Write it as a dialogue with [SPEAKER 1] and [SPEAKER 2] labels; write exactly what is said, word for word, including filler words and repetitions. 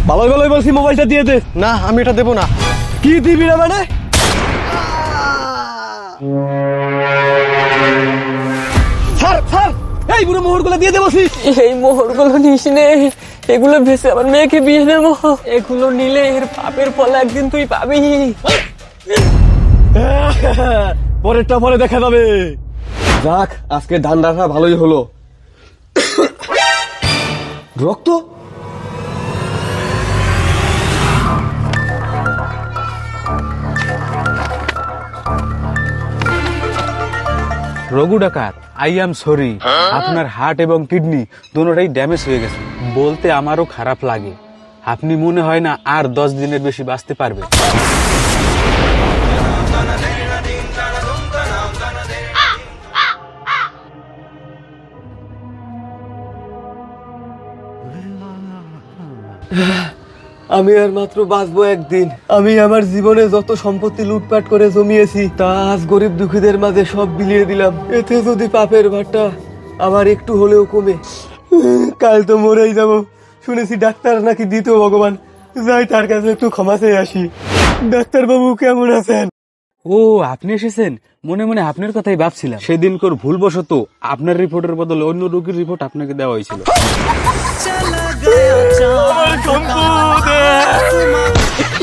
[SPEAKER 1] ভালোই ভালোই বলছি মোবাইলটা দিয়ে দে।
[SPEAKER 2] না আমি এটা দেবো না।
[SPEAKER 1] কি দিবি না মানে? স্যার স্যার এই বুড়ো মোহরগুলো দিয়ে দে বলছি।
[SPEAKER 3] এই মোহরগুলো নিস নে, এগুলো ভেসে আমার মেয়েকে বিয়ে দেবো। এগুলো নিলে এর পাপের ফল একদিন তুই পাবি।
[SPEAKER 1] পরেরটা পরে দেখা যাবে। যাক আজকে ধান রাখা ভালোই হলো। রক্ত
[SPEAKER 4] রঘু ডাকাত, আই এম সরি, আপনার হার্ট এবং কিডনি দুটোটাই ড্যামেজ হয়ে গেছে। বলতে আমারও খারাপ লাগে, আপনি মনে হয় না আর দশ দিনের বেশি বাঁচতে পারবে।
[SPEAKER 1] আমি আর মাত্র বাঁচবো একদিন। আমি আমার জীবনে যত সম্পত্তি লুটপাট করে জমিয়েছি তা আজ গরিব দুঃখীদের মাঝে সব বিলিয়ে দিলাম। এতে যদি পাপের ভারটা আমার একটু হলেও কমে, কাল তো মরেই যাব। শুনেছি ডাক্তার নাকি দ্বিতীয় ভগবান। যাই তার কাছে একটু ক্ষমা চেয়ে আসি। ডাক্তার বাবু কেমন আছেন?
[SPEAKER 4] ও আপনি এসেছেন, মনে মনে আপনার কথাই ভাবছিলাম। সেদিনকার ভুলবশত আপনার রিপোর্টের বদলে অন্য রোগীর রিপোর্ট আপনাকে দেওয়া হয়েছিল।